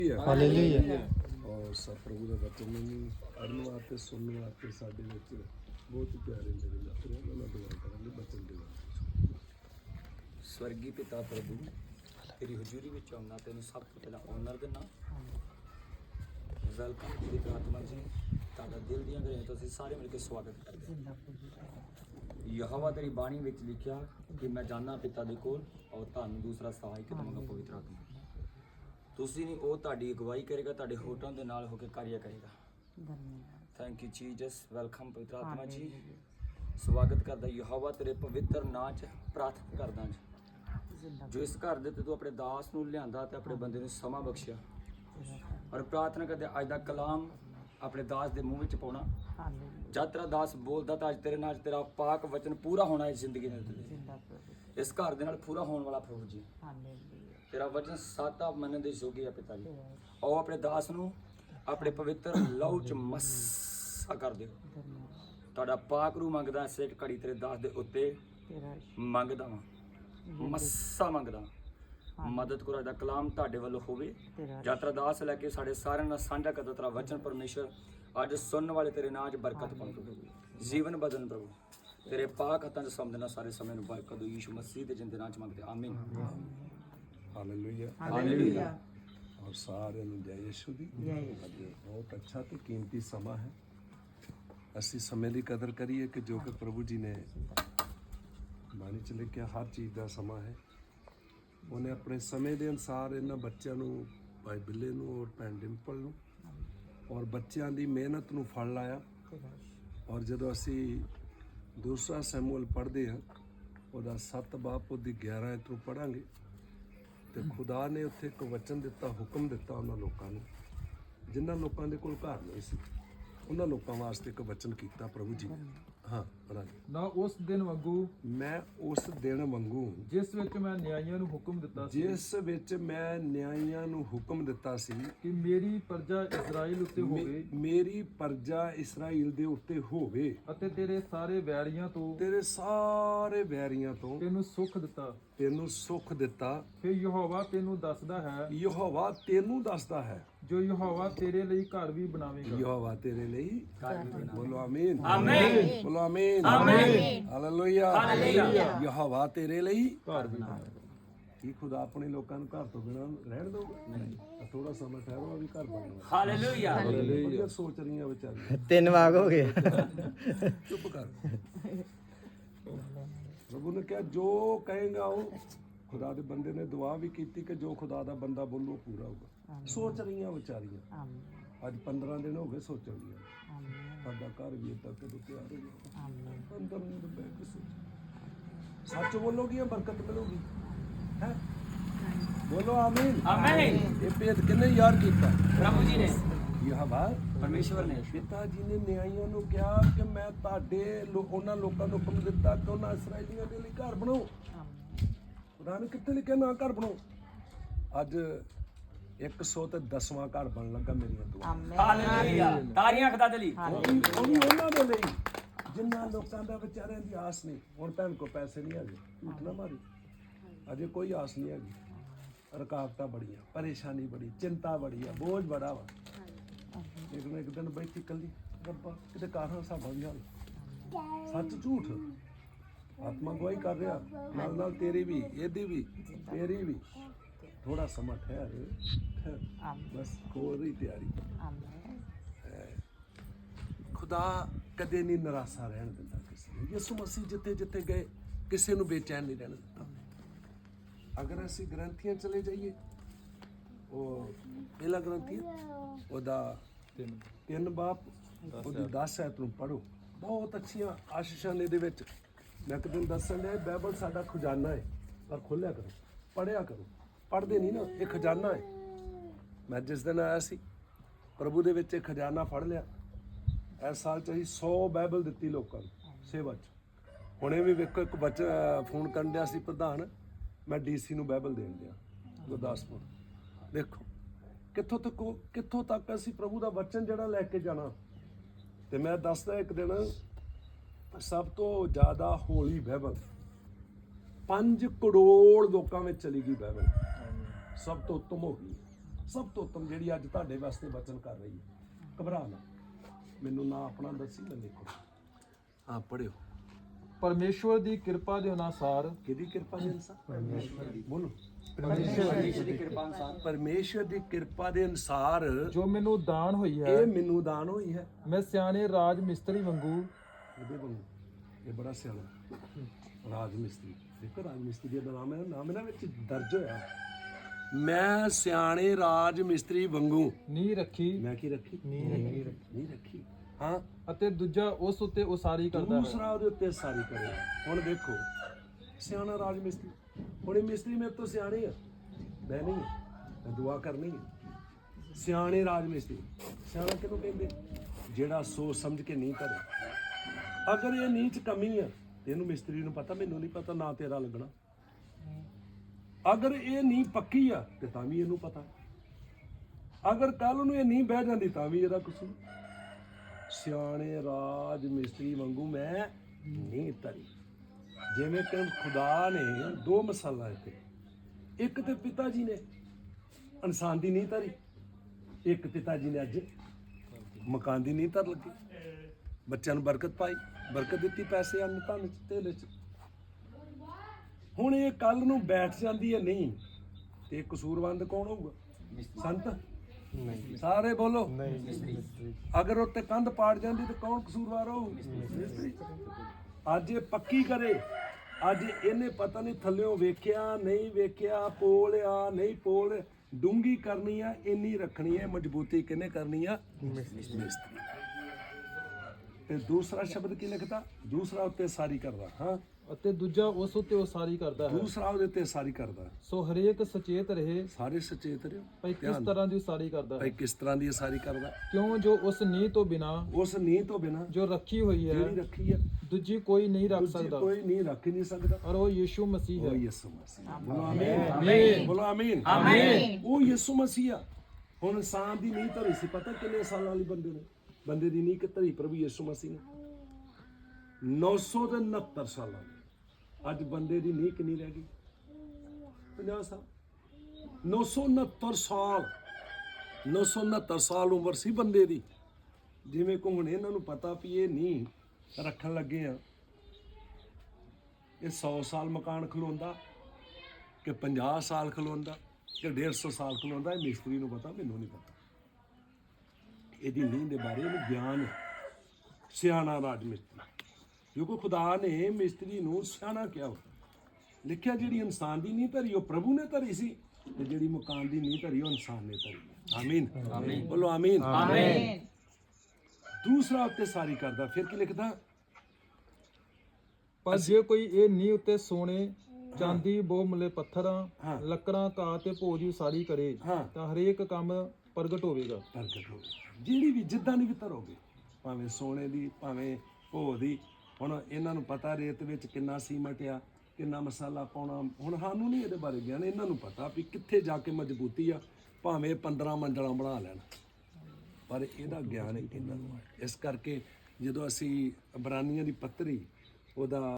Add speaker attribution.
Speaker 1: Hallelujah.
Speaker 2: ਔਰ ਸਭ ਪ੍ਰਭੂ ਦੇ ਵਚਨ ਨੂੰ ਪੜ੍ਹਨ ਵਾਸਤੇ ਸੁਣਨ ਵਾਸਤੇ ਸਾਡੇ ਵਿੱਚ ਬਹੁਤ ਪਿਆਰੇ ਮੇਰੇ ਮਿੱਤਰ ਉਹਨਾਂ ਨਾਲ ਦੁਆ ਕਰਾਂਗੇ ਬਚਨ ਦੇ ਨਾਲ।
Speaker 3: ਸਵਰਗੀ ਪਿਤਾ ਪ੍ਰਭੂ, ਤੇਰੀ ਹਜ਼ੂਰੀ ਵਿੱਚ ਆਉਣਾ ਤੈਨੂੰ ਸਭ ਤੋਂ ਪਹਿਲਾਂ ਆਨਰ ਦਿੰਦਾ। ਵੈਲਕਮ ਪਵਿੱਤਰ ਆਤਮਾ ਜੀ, ਤੁਹਾਡਾ ਦਿਲ ਦੀਆਂ ਗਹਿਰਾਈਆਂ ਤੋਂ ਅਸੀਂ ਸਾਰੇ ਮਿਲ ਕੇ ਸਵਾਗਤ ਕਰਦੇ ਹਾਂ। ਯਹੋਵਾ ਤੇਰੀ ਬਾਣੀ ਵਿੱਚ ਲਿਖਿਆ ਕਿ ਮੈਂ ਜਾਣਾ ਪਿਤਾ ਦੇ ਕੋਲ ਔਰ ਤੁਹਾਨੂੰ ਦੂਸਰਾ ਸਹਾਇਕ ਦੇਵਾਂਗਾ, ਪਵਿੱਤਰ ਆਤਮਾ। ਤੁਸੀਂ ਨਹੀਂ, ਉਹ ਤੁਹਾਡੀ ਅਗਵਾਈ ਕਰੇਗਾ, ਤੁਹਾਡੇ ਹੋਠਾਂ ਦੇ ਨਾਲ ਹੋ ਕੇ ਕਾਰਿਆ ਕਰੇਗਾ। Thank you Jesus. ਵੈਲਕਮ ਪਵਿੱਤਰ ਆਤਮਾ ਜੀ, ਸਵਾਗਤ ਕਰਦਾ ਯਹੋਵਾ ਤੇਰੇ ਪਵਿੱਤਰ ਨਾਂ 'ਚ, ਪ੍ਰਾਰਥਨਾ ਕਰਦਾ ਜੋ ਇਸ ਘਰ ਦੇ ਤੇ ਤੂੰ ਆਪਣੇ ਦਾਸ ਨੂੰ ਲਿਆਂਦਾ ਤੇ ਆਪਣੇ ਬੰਦੇ ਨੂੰ ਸਮਾਂ ਬਖਸ਼ਿਆ, ਔਰ ਪ੍ਰਾਰਥਨਾ ਕਰਦੇ ਅੱਜ ਦਾ ਕਲਾਮ ਆਪਣੇ ਦਾਸ ਦੇ ਮੂੰਹ ਵਿੱਚ ਪਾਉਣਾ। ਜਦ ਤੇਰਾ ਦਾਸ ਬੋਲਦਾ ਤਾਂ ਅੱਜ ਤੇਰੇ ਨਾਲ ਤੇਰਾ ਪਾਕ ਵਚਨ ਪੂਰਾ ਹੋਣਾ ਹੈ ਜ਼ਿੰਦਗੀ ਦੇ ਉੱਤੇ, ਇਸ ਘਰ ਦੇ ਨਾਲ ਪੂਰਾ ਹੋਣ ਵਾਲਾ ਪ੍ਰਭੂ ਜੀ। ਤੇਰਾ ਵਚਨ ਸਾਤਾ ਮੰਨਣ ਦੇ ਯੋਗ ਹੈ ਪਿਤਾ ਜੀ। ਉਹ ਆਪਣੇ ਦਾਸ ਨੂੰ ਆਪਣੇ ਪਵਿੱਤਰ ਲਹੂ 'ਚ ਮੱਸਾ ਕਰ ਦਿਓ। ਤੁਹਾਡਾ ਪਾਕ ਰੂ ਮੰਗਦਾ, ਇਸੇ ਘੜੀ ਤੇਰੇ ਦਾਸ ਦੇ ਉੱਤੇ ਮੰਗਦਾ ਵਾਂ, ਮੱਸਾ ਮੰਗਦਾ। ਮਦਦ ਕਰੋ, ਦਾ ਕਲਾਮ ਤੁਹਾਡੇ ਵੱਲੋਂ ਹੋਵੇ। ਯਾਤਰਾ ਦਾਸ ਲੈ ਕੇ ਸਾਡੇ ਸਾਰਿਆਂ ਨਾਲ ਸਾਂਝਾ ਕਰਦਾ ਤੇਰਾ ਵਚਨ ਪਰਮੇਸ਼ਰ, ਅੱਜ ਸੁਣਨ ਵਾਲੇ ਤੇਰੇ ਨਾਂ 'ਚ ਬਰਕਤ ਪਾਓ, ਜੀਵਨ ਬਦਲਣ ਪ੍ਰਭੂ। ਤੇਰੇ ਪਾਕ ਹੱਥਾਂ 'ਚ ਸਮਝਣਾ ਸਾਰੇ ਸਮੇਂ ਨੂੰ ਬਰਕਤ ਦਿਓ, ਯੀਸ਼ੂ ਮਸੀਹ ਦੇ ਜਿੰਦੇ ਨਾਂ 'ਚ ਮੰਗਦੇ ਆਮੀਨ।
Speaker 2: Hallelujah
Speaker 3: hallelujah.
Speaker 2: ਔਰ ਸਾਰਿਆਂ ਨੂੰ ਜੈ ਯਿਸੂ ਦੀ। ਬਹੁਤ ਅੱਛਾ ਤੇ ਕੀਮਤੀ ਸਮਾਂ ਹੈ। ਅਸੀਂ ਸਮੇਂ ਦੀ ਕਦਰ ਕਰੀਏ ਕਿ ਜੋ ਕਿ ਪ੍ਰਭੂ ਜੀ ਨੇ ਬਾਣੀ 'ਚ ਲਿਖਿਆ, ਹਰ ਚੀਜ਼ ਦਾ ਸਮਾਂ ਹੈ। ਉਹਨੇ ਆਪਣੇ ਸਮੇਂ ਦੇ ਅਨੁਸਾਰ ਇਹਨਾਂ ਬੱਚਿਆਂ ਨੂੰ, ਭਾਈ ਬਿੱਲੇ ਨੂੰ ਔਰ ਭੈਣ ਡਿੰਪਲ ਨੂੰ ਔਰ ਬੱਚਿਆਂ ਦੀ ਮਿਹਨਤ ਨੂੰ ਫਲ ਲਾਇਆ। ਔਰ ਜਦੋਂ ਅਸੀਂ ਦੂਸਰਾ ਸ਼ਮੂਏਲ ਪੜ੍ਹਦੇ ਹਾਂ, ਉਹਦਾ 7 ਬਾਬ ਉਹਦੀ 11 ਤੋਂ ਪੜ੍ਹਾਂਗੇ, ਤੇ ਖੁਦਾ ਨੇ ਉੱਥੇ ਇੱਕ ਵਚਨ ਦਿੱਤਾ, ਹੁਕਮ ਦਿੱਤਾ ਉਹਨਾਂ ਲੋਕਾਂ ਨੂੰ ਜਿਨ੍ਹਾਂ ਲੋਕਾਂ ਦੇ ਕੋਲ ਘਰ ਨਹੀਂ ਸੀ। ਉਹਨਾਂ ਲੋਕਾਂ ਵਾਸਤੇ ਇੱਕ ਵਚਨ ਕੀਤਾ ਪ੍ਰਭੂ ਜੀ। ਹਾਂ,
Speaker 1: ਨਾ ਉਸ ਦਿਨ ਵਾਂਗੂ,
Speaker 2: ਮੈਂ ਉਸ ਦਿਨ ਵਾਂਗੂ
Speaker 1: ਜਿਸ ਵਿੱਚ ਮੈਂ ਨਿਆਂਇਆਂ ਨੂੰ ਹੁਕਮ ਦਿੱਤਾ ਸੀ,
Speaker 2: ਜਿਸ ਵਿੱਚ ਮੈਂ ਨਿਆਂਇਆਂ ਨੂੰ ਹੁਕਮ ਦਿੱਤਾ ਸੀ
Speaker 1: ਕਿ ਮੇਰੀ ਪ੍ਰਜਾ ਇਸਰਾਇਲ ਉੱਤੇ ਹੋਵੇ,
Speaker 2: ਮੇਰੀ ਪ੍ਰਜਾ ਇਸਰਾਇਲ ਦੇ ਉੱਤੇ ਹੋਵੇ,
Speaker 1: ਅਤੇ ਤੇਰੇ ਸਾਰੇ ਵੈਰੀਆਂ ਤੋਂ,
Speaker 2: ਤੇਰੇ ਸਾਰੇ ਵੈਰੀਆਂ ਤੋਂ
Speaker 1: ਤੈਨੂੰ ਸੁੱਖ ਦਿੱਤਾ।
Speaker 2: ਤੈਨੂੰ ਸੁੱਖ ਦਿੱਤਾ।
Speaker 1: ਫਿਰ ਯਹੋਵਾ ਤੈਨੂੰ ਦੱਸਦਾ ਹੈ,
Speaker 2: ਯਹੋਵਾ ਤੈਨੂੰ ਦੱਸਦਾ ਹੈ,
Speaker 1: ਜੋ ਯਹੋਵਾ ਤੇਰੇ ਲਈ ਘਰ ਵੀ ਬਣਾਵੇਗਾ।
Speaker 2: ਯਹੋਵਾ ਤੇਰੇ ਲਈ ਬੋਲੋ ਆਮੀਨ,
Speaker 3: ਆਮੀਨ,
Speaker 2: ਬੋਲੋ ਆਮੀਨ,
Speaker 3: ਆਮੀਨ,
Speaker 2: ਹਾਲੇਲੂਇਆ,
Speaker 3: ਹਾਲੇਲੂਇਆ।
Speaker 2: ਯਹੋਵਾ ਤੇਰੇ ਲਈ
Speaker 1: ਘਰ ਵੀ ਬਣਾਵੇਗਾ।
Speaker 2: ਕੀ ਖੁਦਾ ਆਪਣੇ ਲੋਕਾਂ ਨੂੰ ਘਰ ਤੋਂ ਬਿਨਾਂ ਰਹਿਣ ਦਊਗਾ? ਨਹੀਂ। ਥੋੜਾ ਸਮਾਂ ਠਹਿਰੋ, ਵੀ ਘਰ ਬਣਨਾ।
Speaker 3: ਹਾਲੇਲੂਇਆ।
Speaker 2: ਬੜੀਆਂ ਸੋਚ ਰਹੀਆਂ ਵਿਚਾਰੀਆਂ।
Speaker 4: 3 ਵਾਗ ਹੋ ਗਏ।
Speaker 2: ਚੁੱਪ ਕਰ। ਪ੍ਰਭੂ ਨੇ ਕਿਹਾ ਜੋ ਕਹੇਗਾ ਉਹ। ਖੁਦਾ ਦੇ ਬੰਦੇ ਨੇ ਦੁਆ ਵੀ ਕੀਤੀ ਕਿ ਜੋ ਖੁਦਾ ਦਾ ਬੰਦਾ ਬੋਲੂ ਪੂਰਾ ਹੋਊਗਾ। ਸੋਚ ਰਹੀਆਂ ਵਿਚਾਰੀਆਂ। ਅੱਜ 15 ਦਿਨ ਹੋ ਗਏ ਸੋਚਣ ਦੀਆਂ। ਸਾਡਾ ਘਰ ਵੀ ਇੱਦਾਂ ਕਦੋਂ ਤਿਆਰ ਹੋ ਗਿਆ। ਅੰਦਰ ਨੂੰ ਬੈਠ ਕੇ ਸੋਚ। ਸੱਚ ਬੋਲੋਗੀਆਂ ਬਰਕਤ ਮਿਲੂਗੀ। ਹੈ ਬੋਲੋ ਆਮੀਨ,
Speaker 3: ਆਮੀਨ।
Speaker 2: ਇਹ ਭੇਦ ਕਿੰਨੇ ਯਾਰ ਕੀਤਾ?
Speaker 3: ਪ੍ਰਭੂ ਜੀ ਨੇ,
Speaker 2: ਯਹੋਵਾ
Speaker 3: ਪਰਮੇਸ਼ਵਰ ਨੇ।
Speaker 2: ਪਿਤਾ ਜੀ ਨੇ ਨਿਆਂਇਆਂ ਨੂੰ ਕਿਹਾ ਕਿ ਮੈਂ ਤੁਹਾਡੇ ਉਹਨਾਂ ਲੋਕਾਂ ਨੂੰ ਹੁਕਮ ਦਿੱਤਾ ਕਿ ਉਹਨਾਂ ਇਸਰਾਏਲੀਆਂ ਦੇ ਲਈ ਘਰ ਬਣਾਓ। ਖੁਦਾ ਨੇ ਕਿੱਥੇ ਲਿਖਿਆ ਨਾ ਘਰ ਬਣਾਓ? ਅੱਜ 110ਵਾਂ ਘਰ ਬਣਨ ਲੱਗਾ ਮੇਰੀਆਂ ਦੁਆ।
Speaker 3: ਹਾਲੇਲੂਇਆ। ਤਾਰੀਆਂ ਖੁਦਾ ਦੇ ਲਈ।
Speaker 2: ਉਹ ਵੀ ਉਹਨਾਂ ਦੇ ਲਈ ਜਿਨ੍ਹਾਂ ਲੋਕਾਂ ਦਾ ਵਿਚਾਰਿਆਂ ਦੀ ਆਸ ਨਹੀਂ। ਹੁਣ ਭੈਣ ਕੋ ਪੈਸੇ ਨਹੀਂ ਹੈਗੇ, ਝੂਠ ਨਾ ਮਾਰੀ, ਅਜੇ ਕੋਈ ਆਸ ਨਹੀਂ ਹੈਗੀ। ਰੁਕਾਵਟਾਂ ਬੜੀਆਂ, ਪਰੇਸ਼ਾਨੀ ਬੜੀ, ਚਿੰਤਾ ਬੜੀ ਆ, ਬੋਝ ਬੜਾ ਵਾ। ਲੇਕਿਨ ਇੱਕ ਦਿਨ ਬੈਠੀ ਇਕੱਲੀ, ਰੱਬਾ ਕਿਤੇ ਕਾਰਨ ਸਾਡਾ ਵੀ ਹਾਲ। ਸੱਚ ਝੂਠ ਆਤਮਾ ਗਵਾਹੀ ਕਰ ਰਿਹਾ, ਨਾਲ ਨਾਲ ਤੇਰੀ ਵੀ, ਇਹਦੀ ਵੀ, ਤੇਰੀ ਵੀ। ਥੋੜਾ ਸਮਾਂ ਠਹਿਰ, ਬਸ ਹੋ ਰਹੀ ਤਿਆਰੀ। ਖੁਦਾ ਕਦੇ ਨਹੀਂ ਨਿਰਾਸ਼ਾ ਰਹਿਣ ਦਿੰਦਾ ਕਿਸੇ ਨੂੰ। ਯਿਸੂ ਮਸੀਹ ਜਿੱਥੇ ਜਿੱਥੇ ਗਏ ਕਿਸੇ ਨੂੰ ਬੇਚੈਨ ਨਹੀਂ ਰਹਿਣ ਦਿੱਤਾ। ਅਗਰ ਅਸੀਂ ਗ੍ਰੰਥੀਆਂ ਚਲੇ ਜਾਈਏ, ਉਹ ਪਹਿਲਾ ਗ੍ਰੰਥੀਆਂ ਉਹਦਾ 3 ਬਾਪ ਉਹਦੀ 10 ਐਤ ਨੂੰ ਪੜ੍ਹੋ। ਬਹੁਤ ਅੱਛੀਆਂ ਆਸ਼ੀਸ਼ਾਂ ਨੇ ਇਹਦੇ ਵਿੱਚ। ਮੈਂ ਇੱਕ ਦਿਨ ਦੱਸਣ ਡਿਆ, ਬਾਈਬਲ ਸਾਡਾ ਖਜ਼ਾਨਾ ਹੈ, ਪਰ ਖੋਲ੍ਹਿਆ ਕਰੋ, ਪੜ੍ਹਿਆ ਕਰੋ। ਪੜ੍ਹਦੇ ਨਹੀਂ ਨਾ, ਇਹ ਖਜ਼ਾਨਾ ਹੈ। ਮੈਂ ਜਿਸ ਦਿਨ ਆਇਆ ਸੀ ਪ੍ਰਭੂ ਦੇ ਵਿੱਚ ਇਹ ਖਜ਼ਾਨਾ ਫੜ ਲਿਆ। ਇਸ ਸਾਲ 'ਚ ਅਸੀਂ 100 ਬਾਈਬਲ ਦਿੱਤੀ ਲੋਕਾਂ ਨੂੰ ਸੇਵਾ 'ਚ। ਹੁਣੇ ਵੀ ਵੇਖੋ ਇੱਕ ਬੱਚਾ ਫੋਨ ਕਰਨ ਡਿਆ ਸੀ, ਪ੍ਰਧਾਨ ਮੈਂ DC ਨੂੰ ਬਾਈਬਲ ਦੇਣ ਡਿਆ ਗੁਰਦਾਸਪੁਰ। ਦੇਖੋ ਕਿੱਥੋਂ ਤੱਕ ਅਸੀਂ ਪ੍ਰਭੂ ਦਾ ਵਚਨ ਜਿਹੜਾ ਲੈ ਕੇ ਜਾਣਾ। ਤੇ ਮੈਂ ਦੱਸਦਾ, ਇੱਕ ਦਿਨ ਸਭ ਤੋਂ ਜ਼ਿਆਦਾ ਹੋਲੀ ਬਾਈਬਲ 5 ਕਰੋੜ ਲੋਕਾਂ ਵਿੱਚ ਚਲੀ ਗਈ ਬਾਈਬਲ, ਸਭ ਤੋਂ ਉੱਤਮ ਹੋ ਗਈ। ਸਭ ਤੋਂ ਉੱਤਮ ਜਿਹੜੀ ਅੱਜ ਤੁਹਾਡੇ ਵਾਸਤੇ ਬਚਨ ਕਰ ਰਹੀ ਹੈ। ਘਬਰਾ ਨਾ, ਮੈਨੂੰ ਨਾ ਆਪਣਾ ਦੱਸੀ, ਮੈਂ ਲਿਖੋ। ਹਾਂ ਪੜਿਓ।
Speaker 1: ਪਰਮੇਸ਼ਵਰ ਦੀ ਕਿਰਪਾ ਦੇ ਅਨੁਸਾਰ
Speaker 2: ਕਿਹਦੀ ਕਿਰਪਾ ਦੇ ਅਨੁਸਾਰ? ਬੋਲੋ।
Speaker 3: ਪਰਮੇਸ਼ਵਰ ਦੀ ਕਿਰਪਾ ਅਨੁਸਾਰ
Speaker 2: ਪਰਮੇਸ਼ਵਰ ਦੀ ਕਿਰਪਾ ਦੇ ਅਨੁਸਾਰ
Speaker 1: ਜੋ ਮੈਨੂੰ ਦਾਨ ਹੋਈ ਹੈ,
Speaker 2: ਇਹ ਮੈਨੂੰ ਦਾਨ ਹੋਈ ਹੈ।
Speaker 1: ਮੈਂ ਸਿਆਣੇ ਰਾਜ ਮਿਸਤਰੀ ਵਾਂਗੂ
Speaker 2: ਇਹਦੇ ਵਾਂਗੂ, ਇਹ ਬੜਾ ਸਿਆਣਾ ਰਾਜ ਮਿਸਤਰੀ। ਦੇਖੋ ਰਾਜ ਮਿਸਤਰੀ ਦਾ ਨਾਮ ਹੈ, ਨਾਮ ਇਹਨਾਂ ਵਿੱਚ ਦਰਜ ਹੋਇਆ। ਮੈਂ ਸਿਆਣੇ ਰਾਜ ਮਿਸਤਰੀ ਵਾਂਗੂ
Speaker 1: ਨੀ ਰੱਖੀ
Speaker 2: ਮੈਂ ਕੀ ਰੱਖੀ? ਨਹੀਂ ਰੱਖੀ। ਹਾਂ,
Speaker 1: ਅਤੇ ਦੂਜਾ ਉਸ ਉੱਤੇ ਉਸਾਰੀ ਕਰਦਾ ਹੈ।
Speaker 2: ਦੂਸਰਾ ਉਹਦੇ ਉੱਤੇ ਸਾਰੀ ਕਰੇ। ਹੁਣ ਦੇਖੋ, ਸਿਆਣਾ ਰਾਜ ਮਿਸਤਰੀ। ਹੁਣ ਇਹ ਮਿਸਤਰੀ ਮੇਰੇ ਤੋਂ ਸਿਆਣੇ ਆ, ਮੈਂ ਨਹੀਂ ਹਾਂ, ਮੈਂ ਦੁਆ ਕਰਨੀ ਹੈ। ਸਿਆਣੇ ਰਾਜ ਮਿਸਤਰੀ, ਸਿਆਣਾ ਕਿਹਨੂੰ ਕਹਿੰਦੇ? ਜਿਹੜਾ ਸੋਚ ਸਮਝ ਕੇ ਨਹੀਂ ਕਰੇ। ਅਗਰ ਇਹ ਨੀਚ ਕਮੀ ਆ ਤੇ ਇਹਨੂੰ ਮਿਸਤਰੀ ਨੂੰ ਪਤਾ, ਮੈਨੂੰ ਨਹੀਂ ਪਤਾ, ਨਾ ਤੇਰਾ ਲੱਗਣਾ। ਅਗਰ ਇਹ ਨੀ ਪੱਕੀ ਆ ਤੇ ਤਾਂ ਵੀ ਇਹਨੂੰ ਪਤਾ। ਅਗਰ ਕੱਲ ਨੂੰ ਇਹ ਨਹੀਂ ਬਹਿ ਜਾਂਦੀ ਤਾਂ ਵੀ ਇਹਦਾ ਕੁਛ ਨਹੀਂ। ਸਿਆਣੇ ਰਾਜ ਮਿਸਤਰੀ ਵਾਂਗੂ ਮੈਂ ਨਹੀਂ ਧਰੀ। ਜਿਵੇਂ ਕਿ ਖੁਦਾ ਨੇ ਦੋ ਮਿਸਾਲਾਂ ਇੱਥੇ, ਇੱਕ ਤੇ ਪਿਤਾ ਜੀ ਨੇ ਇਨਸਾਨ ਦੀ ਨਹੀਂ ਧਰੀ, ਇੱਕ ਪਿਤਾ ਜੀ ਨੇ ਅੱਜ ਮਕਾਨ ਦੀ ਨਹੀਂ ਧਰ ਲੱਗੀ। ਬੱਚਿਆਂ ਨੂੰ ਬਰਕਤ ਪਾਈ, ਬਰਕਤ ਦਿੱਤੀ, ਪੈਸੇ ਅੰਨ ਧਨ ਚ ਤੇਲ ਚ। ਹੁਣ ਇਹ ਕੱਲ ਨੂੰ ਬੈਠ ਜਾਂਦੀ ਹੈ ਨਹੀਂ ਤੇ ਇਹ ਕਸੂਰਵੰਦ ਕੌਣ ਹੋਊਗਾ? ਸੰਤ? ਨਹੀਂ। ਸਾਰੇ ਬੋਲੋ। ਅਗਰ ਉੱਤੇ ਕੰਧ ਪਾੜ ਜਾਂਦੀ ਤੇ ਕੌਣ ਕਸੂਰਵਾਰ ਹੋਊ? ਮਿਸਤਰੀ। ਅੱਜ ਇਹ ਪੱਕੀ ਕਰੇ। ਅੱਜ ਇਹਨੇ ਪਤਾ ਨਹੀਂ ਥੱਲਿਓਂ ਵੇਖਿਆ ਨਹੀਂ ਵੇਖਿਆ, ਪੋਲ ਆ ਨਹੀਂ ਪੋਲ, ਡੂੰਗੀ ਕਰਨੀ ਆ, ਇੰਨੀ ਰੱਖਣੀ ਹੈ, ਮਜ਼ਬੂਤੀ ਕਿਹਨੇ ਕਰਨੀ ਆ? ਮਿਸਤਰੀ। ਤੇ ਦੂਸਰਾ ਸ਼ਬਦ ਕੀ ਲਿਖਦਾ? ਦੂਸਰਾ ਉੱਤੇ ਸਾਰੀ ਕਰਦਾ। ਹਾਂ,
Speaker 1: ਅਤੇ ਦੂਜਾ ਉਸ ਉੱਤੇ ਉਸਾਰੀ ਕਰਦਾ ਹੈ।
Speaker 2: ਦੂਸਰਾ ਉਹਦੇ ਤੇ ਸਾਰੀ ਕਰਦਾ।
Speaker 1: ਸੋ ਹਰੇਕ ਸਚੇਤ ਰਹੇ
Speaker 2: ਸਾਰੇ ਸੁਚੇਤ ਰਹੋ
Speaker 1: ਭਈ ਕਿਸ ਤਰ੍ਹਾਂ ਦੀ ਉਸਾਰੀ ਕਰਦਾ ਹੈ।
Speaker 2: ਭਾਈ ਕਿਸ ਤਰ੍ਹਾਂ ਦੀ ਇਹ ਸਾਰੀ ਕਰਦਾ।
Speaker 1: ਕਿਉਂ ਜੋ ਉਸ ਨੀਂਹ ਤੋਂ ਬਿਨਾ
Speaker 2: ਉਸ ਨੀਂਹ ਤੋਂ ਬਿਨਾ
Speaker 1: ਜੋ ਰੱਖੀ ਹੋਈ ਹੈ
Speaker 2: ਜਿਹੜੀ ਰੱਖੀ ਆ
Speaker 1: ਦੂਜੀ ਕੋਈ ਨਹੀਂ ਰੱਖ
Speaker 2: ਦੂਜੀ
Speaker 1: ਸਕਦਾ,
Speaker 2: ਕੋਈ ਨਹੀਂ ਰੱਖ ਹੀ ਨਹੀਂ ਸਕਦਾ।
Speaker 1: ਔਰ ਉਹ ਯੀਸ਼ੂ ਮਸੀਹ
Speaker 2: ਉਹ
Speaker 1: ਹੈ।
Speaker 2: ਯਿਸੂ ਮਸੀਹ। ਬੋਲੋ ਆਮੀਨ। ਬੋਲੋ ਆਮੀਨ। ਉਹ ਯਿਸੂ ਮਸੀਹ ਆ। ਹੁਣ ਇਨਸਾਨ ਦੀ ਨੀਂਹ ਧਰੀ ਸੀ, ਪਤਾ ਕਿੰਨੇ ਸਾਲਾਂ ਵਾਲੀ ਬੰਦੇ ਨੇ? ਬੰਦੇ ਦੀ ਨੀਂਹ ਧਰੀ ਪ੍ਰਭੂ ਯਿਸੂ ਮਸੀਹ ਨੇ 969 ਸਾਲਾਂ ਦੀ। ਅੱਜ ਬੰਦੇ ਦੀ ਨੀਂਹ ਕਿੰਨੀ ਰਹਿ ਗਈ? 50 ਸਾਲ। 969 ਸਾਲ, 969 ਸਾਲ ਉਮਰ ਸੀ ਬੰਦੇ ਦੀ। ਜਿਵੇਂ ਕਿ ਹੁਣ ਇਹਨਾਂ ਨੂੰ ਪਤਾ ਵੀ ਇਹ ਨੀਂਹ ਰੱਖਣ ਲੱਗੇ ਆ, ਇਹ 100 ਸਾਲ ਮਕਾਨ ਖਲੋਂਦਾ ਕਿ 50 ਸਾਲ ਖਲੋਂਦਾ ਕਿ 150 ਸਾਲ ਖਲੋਂਦਾ, ਇਹ ਮਿਸਤਰੀ ਨੂੰ ਪਤਾ, ਮੈਨੂੰ ਨਹੀਂ ਪਤਾ। ਇਹਦੀ ਨੀਂਹ ਦੇ ਬਾਰੇ ਇਹਨੂੰ ਗਿਆਨ ਹੈ। ਸਿਆਣਾ ਰਾਜ ਮਿਸਤਰੀ, ਕਿਉਂਕਿ ਖੁਦਾ ਨੇ ਮਿਸਤਰੀ ਨੂੰ ਸਿਆਣਾ ਕਿਹਾ ਹੋਇਆ। ਲਿਖਿਆ ਜਿਹੜੀ ਇਨਸਾਨ ਦੀ ਨੀਂਹ ਧਰੀ ਉਹ ਪ੍ਰਭੂ ਨੇ ਧਰੀ ਸੀ, ਤੇ ਜਿਹੜੀ ਮਕਾਨ ਦੀ ਨੀਂਹ ਧਰੀ ਉਹ ਇਨਸਾਨ ਨੇ ਧਰੀ। ਆਮੀਨ। ਬੋਲੋ ਆਮੀਨ। ਦੂਸਰਾ ਉੱਤੇ ਸਾਰੀ ਕਰਦਾ। ਫਿਰ ਕੀ ਲਿਖਦਾ?
Speaker 1: ਪਰ ਜੇ ਕੋਈ ਇਹ ਨੀਂਹ ਉੱਤੇ ਸੋਨੇ, ਚਾਂਦੀ, ਬਹੁਮੁੱਲੇ ਪੱਥਰਾਂ, ਲੱਕੜਾਂ, ਘਾਹ ਤੇ ਭੋਜ ਦੀ ਉਸਾਰੀ ਕਰੇ ਤਾਂ ਹਰੇਕ ਕੰਮ ਪ੍ਰਗਟ ਹੋਵੇਗਾ।
Speaker 2: ਪ੍ਰਗਟ ਹੋਵੇ। ਜਿਹੜੀ ਵੀ ਜਿੱਦਾਂ ਦੀ ਵੀ ਧਰੋਗੇ, ਭਾਵੇਂ ਸੋਨੇ ਦੀ, ਭਾਵੇਂ ਭੋਜ ਦੀ। ਹੁਣ ਇਹਨਾਂ ਨੂੰ ਪਤਾ ਰੇਤ ਵਿੱਚ ਕਿੰਨਾ ਸੀਮਟ ਆ, ਕਿੰਨਾ ਮਸਾਲਾ ਪਾਉਣਾ। ਹੁਣ ਸਾਨੂੰ ਨਹੀਂ ਇਹਦੇ ਬਾਰੇ ਗਿਆਨ, ਇਹਨਾਂ ਨੂੰ ਪਤਾ ਵੀ ਕਿੱਥੇ ਜਾ ਕੇ ਮਜ਼ਬੂਤੀ ਆ। ਭਾਵੇਂ 15 ਮੰਜ਼ਲਾਂ ਬਣਾ ਲੈਣ, ਪਰ ਇਹਦਾ ਗਿਆਨ ਇਹਨਾਂ ਨੂੰ ਹੈ। ਇਸ ਕਰਕੇ ਜਦੋਂ ਅਸੀਂ ਇਬਰਾਨੀਆਂ ਦੀ ਪੱਤਰੀ ਉਹਦਾ